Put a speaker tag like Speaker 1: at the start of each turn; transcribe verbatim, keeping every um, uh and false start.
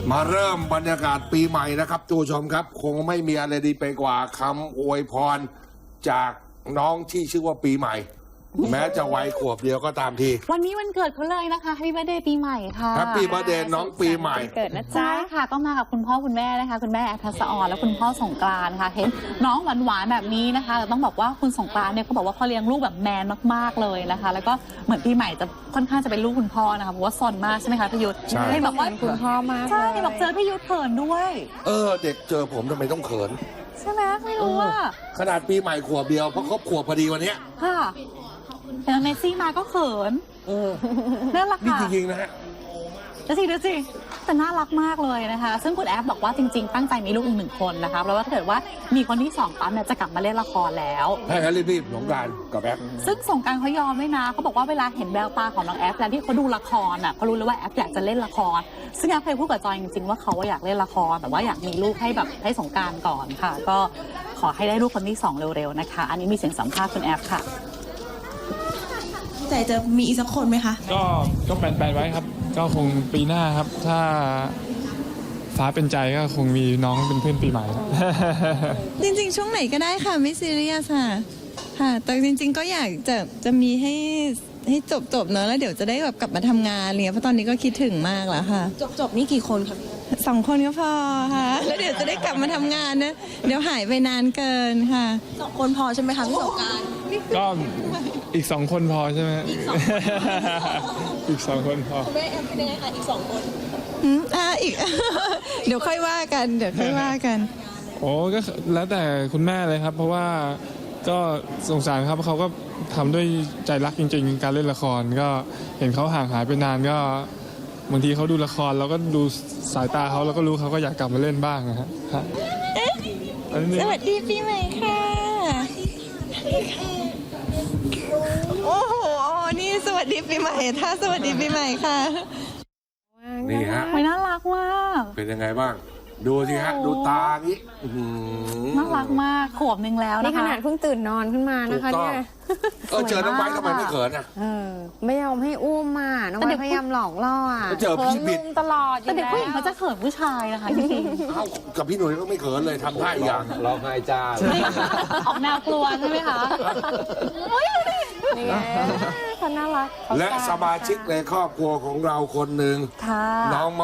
Speaker 1: มาเริ่มบรรยากาศปีใหม่นะครับทุกผู้ชมครับ คงไม่มีอะไรดีไปกว่าคำอวยพรจากน้องที่ชื่อว่าปีใหม่ แม้จะวัยขวบเดียวก็ตามที
Speaker 2: วันนี้วันเกิดเขาเลยนะคะ Happy Birthday ปีใหม่ค่ะ
Speaker 1: Happy Birthday น้องปีใหม่
Speaker 3: เกิดนะจ๊ะ
Speaker 2: ใช่ค่ะก็มากับคุณพ่อคุณแม่นะคะคุณแม่แอฟทัศออนและคุณพ่อสงกรานต์ค่ะเห็นน้องหวานๆแบบนี้นะคะแต่ต้องบอกว่าคุณสงกรานต์เนี่ยเขาบอกว่าเขาเลี้ยงลูกแบบแมนมากๆเลยนะคะแล้วก็เหมือนปีใหม่จะค่อนข้างจะเป็นลูกคุณพ่อนะคะเพราะว่าซนมากใช่ไหมคะพี่ยุทธ
Speaker 1: ใช่
Speaker 2: เห็นบอกว่า
Speaker 3: คุณพ่อมาก
Speaker 2: ใช่บอกเจอพี่ยุทธเขินด้วย
Speaker 1: เออเด็กเจอผมทำไมต้องเขิน
Speaker 2: ใช่ไหมไม่รู้ว่า
Speaker 1: ขนาดปีใหม่ขวบเดียวเพราะครบขวบพอดีวันเนี้ย
Speaker 2: ค่ะเห็นเมสซี่มาก็เขินน่ารัก
Speaker 1: นี่
Speaker 2: ค่ะ
Speaker 1: จริงๆนะฮะ
Speaker 2: ดูสิดูสิแต่น่ารักมากเลยนะคะซึ่งคุณแอฟบอกว่าจริงๆตั้งใจมีลูกอีกหนึ่งคนนะคะเพราะว่าถ้าเกิดว่ามีคนที่สองปั๊มเนี่ยจะกลับมาเล่นละครแล้ว
Speaker 1: ให้ฮันรีบๆสงกรานต์กับแอป
Speaker 2: ซึ่งสงกรานต์เขายอมด้วยนะเขาบอกว่าเวลาเห็นแววตาของน้องแอฟแล้วที่เขาดูละครอ่ะเขารู้เลยว่าแอฟอยากจะเล่นละครซึ่งแอฟเคยพูดกับจอยจริงๆว่าเขาอยากเล่นละครแต่ว่าอยากมีลูกให้แบบให้สงกรานต์ก่อนค่ะก็ขอให้ได้ลูกคนที่สองเร็วๆนะคะอันนี้มีเสียงสัมภาษณ์คุณแอฟค่ะ
Speaker 4: ใจจะมีอีกสักคนไหมคะ
Speaker 5: ก็ก็แปลนๆไว้ครับก็คงปีหน้าครับถ้าฟ้าเป็นใจก็คงมีน้องเป็นเพื่อนปีใหม่
Speaker 4: จริงๆ ช่วงไหนก็ได้ค่ะไม่ซีเรียสค่ะค่ะแต่จริงๆ ก็อยากจะจะมีให้ให้จบๆเนอะแล้วเดี๋ยวจะได้แบบกลับมาทำงานอะไรเงี้ยเพราะตอนนี้ก็คิดถึงมากแล้วค่ะจบๆนี่กี่คนคะสองคนก็พอค่ะแล้วเดี๋ยวจะได้กลับมาทำงานนะเดี๋ยวหายไปนานเกินค่ะสองคนพอใช่ไหมคะพี่สงกรานต์
Speaker 5: ก็อีกสองคนพอใช่ไหมอีกสองอีกสองคนพอ
Speaker 4: แม่แอมเป็นยังไงคะอีกสองคนอืมอ่าอีก เดี๋ยวค่อยว่ากันเดี๋ยวค่อยว่ากัน
Speaker 5: โอ้ก็แล้วแต่คุณแม่เลยครับ เพราะว่าก็สงสารครับเขาก็ทำด้วยใจรักจริงๆการเล่นละครก็เห็นเขาห่างหายไปนานก็บางทีเขาดูละครเราก็ดูสายตาเขาเราก็รู้เขาก็อยากกลับมาเล่นบ้างนะฮะ
Speaker 4: สวัสดีปีใหม่ค่ะโอ้โหนี่สวัสดีปีใหม่ถ้าสวัสดีปีใหม่ค่ะ
Speaker 1: นี่ฮะ
Speaker 2: ไม่น่ารักมาก
Speaker 1: เป็นยังไงบ้างดูสิฮะดูตานี้
Speaker 2: น่ารักมากขวบหนึ่งแล้วนะคะ
Speaker 3: นี่ขนาดเพิ่งตื่นนอนขึ้นมานะคะเนี่ย
Speaker 1: เออเจอน้องไบทำไมไม่เขินอ่ะ
Speaker 3: เออไม่ยอมให้อุ้มมาน้องไบพยายามหลอกล่ออ่ะ
Speaker 1: เจอพี่บิด
Speaker 3: ตลอด
Speaker 2: แต่เด็กผู้หญิงเขาจะเขินผู้ชายนะคะจริง
Speaker 1: ๆเอ้ากับพี่หนุ่ยก็ไม่เขินเลยทำท่าอีกอย่าง
Speaker 6: ร้องไห้จ้า
Speaker 2: ออกแนวกลัวใช่ไหมคะ
Speaker 3: นี่ไงเขาน่ารัก
Speaker 1: และสมาชิกในครอบครัวของเราคนหนึ่งน้อง